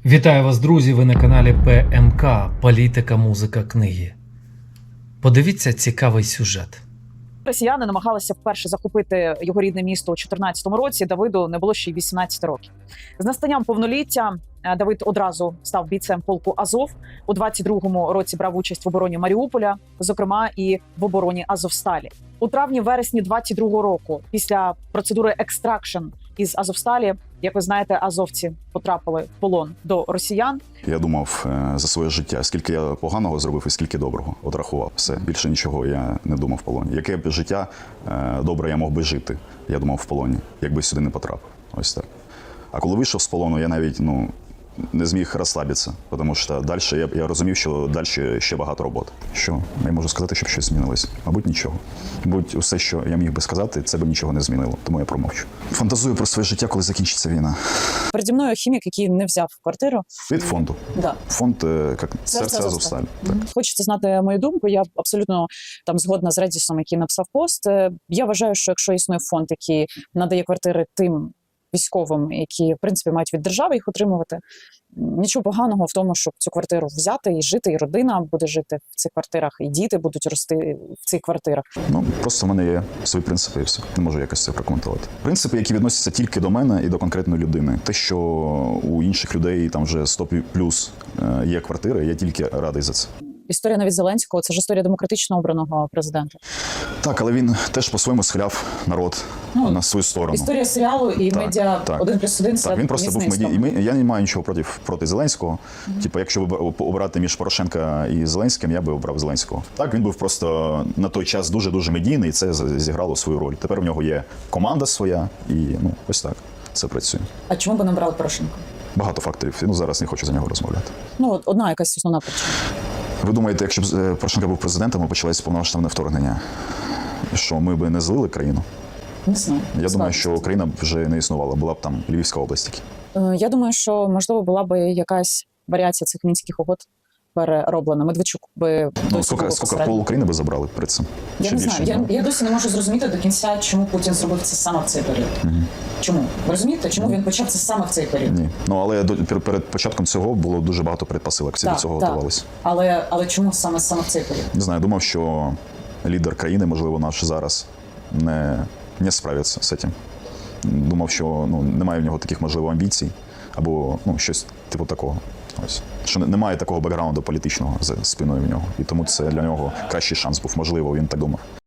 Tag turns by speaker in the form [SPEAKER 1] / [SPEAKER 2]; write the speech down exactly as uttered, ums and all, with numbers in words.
[SPEAKER 1] Вітаю вас, друзі! Ви на каналі Пе Ем Ка Політика, музика, книги. Подивіться цікавий сюжет.
[SPEAKER 2] Росіяни намагалися вперше захопити його рідне місто у чотирнадцятому році. Давиду не було ще й вісімнадцяти років. З настанням повноліття Давид одразу став бійцем полку Азов. У двадцять другому році брав участь в обороні Маріуполя, зокрема і в обороні Азовсталі. У травні-вересні двадцять другого року, після процедури екстракшн із Азовсталі, як ви знаєте, азовці потрапили в полон до росіян.
[SPEAKER 3] Я думав е, за своє життя, скільки я поганого зробив і скільки доброго. От рахував все. Більше нічого я не думав в полоні. Яке б життя е, добре я мог би жити, я думав в полоні, якби сюди не потрапив. Ось так. А коли вийшов з полону, я навіть ну, не зміг розслабитися, тому що далі я, я розумів, що далі ще багато роботи. Що я можу сказати, щоб щось змінилось? Мабуть, нічого. Мабуть, усе, що я міг би сказати, це б нічого не змінило, тому я промовчу. Фантазую про своє життя, коли закінчиться війна.
[SPEAKER 2] Переді мною хімік, який не взяв квартиру.
[SPEAKER 3] Від фонду.
[SPEAKER 2] Да.
[SPEAKER 3] Фонд як серце Азовсталь. Так.
[SPEAKER 2] Хочете знати мою думку? Я абсолютно там згодна з Редісом, який написав пост. Я вважаю, що якщо існує фонд, який надає квартири тим військовим, які, в принципі, мають від держави їх отримувати, нічого поганого в тому, щоб цю квартиру взяти і жити, і родина буде жити в цих квартирах, і діти будуть рости в цих квартирах.
[SPEAKER 3] Ну, просто в мене є свої принципи і все. Не можу якось це прокоментувати. Принципи, які відносяться тільки до мене і до конкретної людини. Те, що у інших людей там вже сто плюс є квартири, я тільки радий за це.
[SPEAKER 2] Історія навіть Зеленського – це ж історія демократично обраного президента.
[SPEAKER 3] Так, але він теж по-своєму схиляв народ ну, на свою сторону.
[SPEAKER 2] Історія серіалу і
[SPEAKER 3] так,
[SPEAKER 2] медіа
[SPEAKER 3] так,
[SPEAKER 2] один плюс один – це
[SPEAKER 3] так, він просто був медій. І ми, я не маю нічого проти, проти Зеленського. Mm-hmm. Типу, якщо обирати між Порошенка і Зеленським, я би обрав Зеленського. Так, він був просто на той час дуже-дуже медійний, і це зіграло свою роль. Тепер в нього є команда своя, і ну, ось так це працює.
[SPEAKER 2] А чому би не обрали Порошенка?
[SPEAKER 3] Багато факторів. Ну, зараз не хочу за нього розмовляти.
[SPEAKER 2] Ну, одна якась основна причина.
[SPEAKER 3] Ви думаєте, якщо б Порошенко був президентом, і почалося повномасштабне вторгнення, що ми б не злили країну?
[SPEAKER 2] Не знаю.
[SPEAKER 3] Я думаю, що Україна б вже не існувала, була б там Львівська область.
[SPEAKER 2] Я думаю, що, можливо, була б якась варіація цих Мінських угод перероблена. Медведчук би
[SPEAKER 3] ну, скільки, скільки пол України би забрали перед цим?
[SPEAKER 2] Я
[SPEAKER 3] Чи
[SPEAKER 2] не
[SPEAKER 3] більше?
[SPEAKER 2] знаю. Я, я досі не можу зрозуміти до кінця, чому Путін зробив це саме в цей період.
[SPEAKER 3] Угу.
[SPEAKER 2] Чому? Ви розумієте, чому він почав це саме в цей період?
[SPEAKER 3] Ні. Ну, але до, перед початком цього було дуже багато передпосилок, всі
[SPEAKER 2] так,
[SPEAKER 3] до цього
[SPEAKER 2] так.
[SPEAKER 3] готувалися.
[SPEAKER 2] Але, але чому саме, саме в цей період?
[SPEAKER 3] Не знаю, думав, що лідер країни, можливо, наш зараз, не, не справиться з цим. Думав, що ну, немає в нього таких, можливо, амбіцій, або ну, щось типу такого. Ось. Що немає такого бекграунду політичного за спиною в нього. І тому це для нього кращий шанс був. Можливо, він так думав.